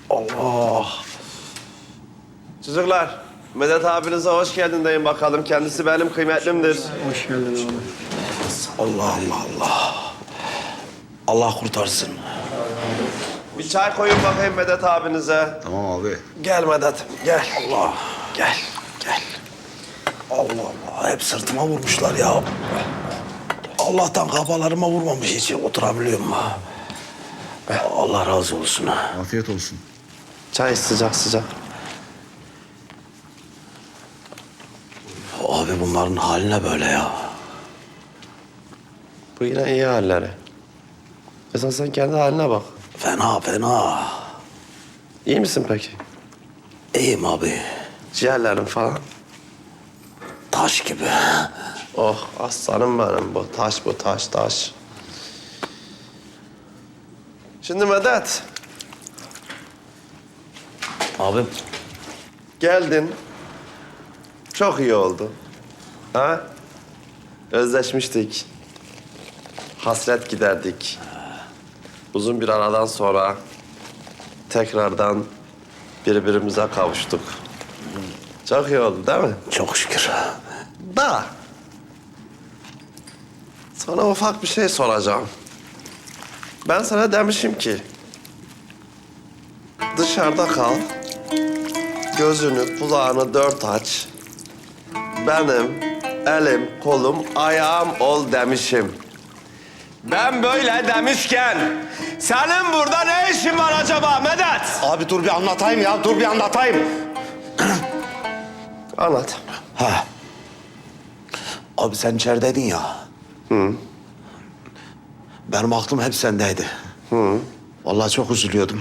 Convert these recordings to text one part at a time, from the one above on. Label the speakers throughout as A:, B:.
A: Allah. Çocuklar, Medet abinize hoş geldin deyin bakalım. Kendisi benim kıymetlimdir.
B: Hoş geldin abi.
C: Allah Allah Allah. Allah kurtarsın.
A: Bir çay koyun bakayım Medet abinize.
D: Tamam abi.
C: Gel Medet, gel. Allah, gel, gel. Allah Allah, hep sırtıma vurmuşlar ya. Allah'tan kafalarıma vurmamış hiç oturabiliyorum ha. Allah razı olsun.
D: Afiyet olsun.
A: Çay sıcak sıcak.
C: Abi bunların haline böyle ya.
A: Bu yine iyi halleri. Esas sen kendi haline bak.
C: Fena fena.
A: İyi misin peki?
C: İyiyim abi.
A: Ciğerlerin falan.
C: Taş gibi.
A: Oh aslanım benim bu. Taş bu taş taş. Şimdi Medet.
C: Abim.
A: Geldin. Çok iyi oldu. Ha? Özleşmiştik. Hasret giderdik. Uzun bir aradan sonra tekrardan birbirimize kavuştuk. Çok iyi oldu değil mi?
C: Çok şükür.
A: Da. Sana ufak bir şey soracağım. Ben sana demişim ki dışarıda kal. Gözünü, kulağını dört aç. Benim elim, kolum, ayağım ol demişim. Ben böyle demişken senin burada ne işin var acaba Medet?
C: Abi dur bir anlatayım ya, dur bir anlatayım.
A: Anlat.
C: Ha. Abi sen içerideydin ya. Hı. Benim aklım hep sendeydi. Hı. Vallahi çok üzülüyordum.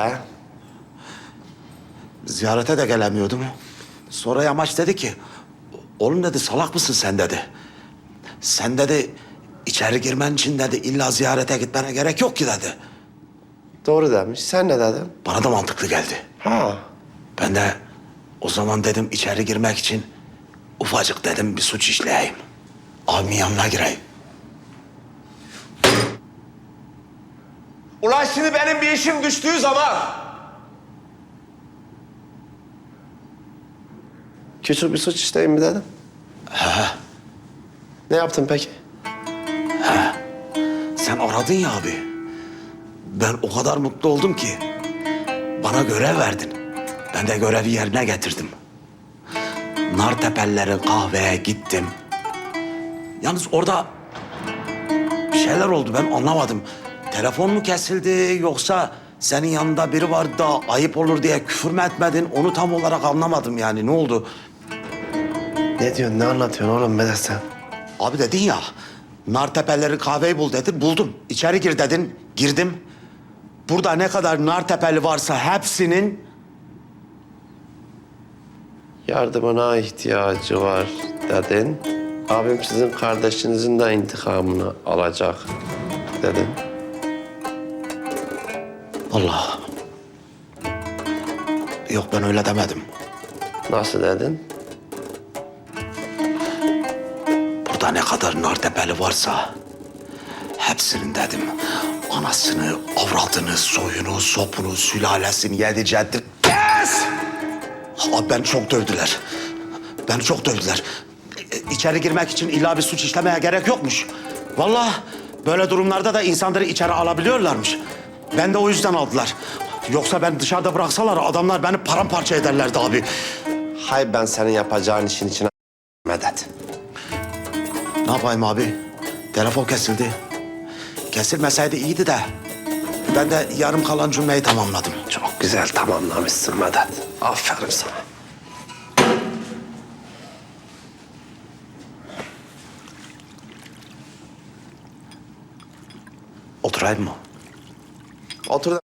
C: Ziyarete de gelemiyordum. Sonra Yamaç dedi ki... Oğlum dedi, salak mısın sen dedi. Sen dedi, içeri girmen için dedi, illa ziyarete gitmene gerek yok ki dedi.
A: Doğru demiş. Sen ne dedin?
C: Bana da mantıklı geldi.
A: Ha.
C: Ben de o zaman dedim içeri girmek için... Ufacık dedim bir suç işleyeyim. Abimin yanına gireyim.
A: Ulan şimdi benim bir işim düştüğü zaman... Küçük bir suç işleyeyim mi dedim? Ne yaptın peki?
C: Sen aradın ya abi. Ben o kadar mutlu oldum ki. Bana görev verdin. Ben de görevi yerine getirdim. Nartepe'lilerin kahveye gittim. Yalnız orada bir şeyler oldu, ben anlamadım. Telefon mu kesildi yoksa senin yanında biri vardı da ayıp olur diye küfür mü etmedin? Onu tam olarak anlamadım yani, ne oldu?
A: Ne diyorsun, ne anlatıyorsun oğlum Medet sen?
C: Abi dedin ya, Nartepe'lilerin kahveyi bul dedin, buldum. İçeri gir dedin, girdim. Burada ne kadar Nartepe'li varsa hepsinin...
A: Yardımına ihtiyacı var dedin. Abim sizin kardeşinizin de intikamını alacak dedin.
C: Allah. Yok, ben öyle demedim.
A: Nasıl dedin?
C: Burada ne kadar Nartepe'li varsa hepsinin dedim. Anasını, avradını, soyunu, sopunu, sülalesini, yedi ceddi... Kes! Abi beni çok dövdüler. Beni çok dövdüler. İçeri girmek için illa bir suç işlemeye gerek yokmuş. Vallahi böyle durumlarda da insanları içeri alabiliyorlarmış. Ben de o yüzden aldılar. Yoksa ben dışarıda bıraksalar adamlar beni paramparça ederlerdi abi.
A: Hay ben senin yapacağın işin içine Medet.
C: Ne yapayım abi? Telefon kesildi. Kesilmeseydi iyiydi de. Ben de yarım kalan cümleyi tamamladım.
A: Çok güzel tamamlamışsın Medet. Aferin sana.
C: Oturayım mı?
A: Otur.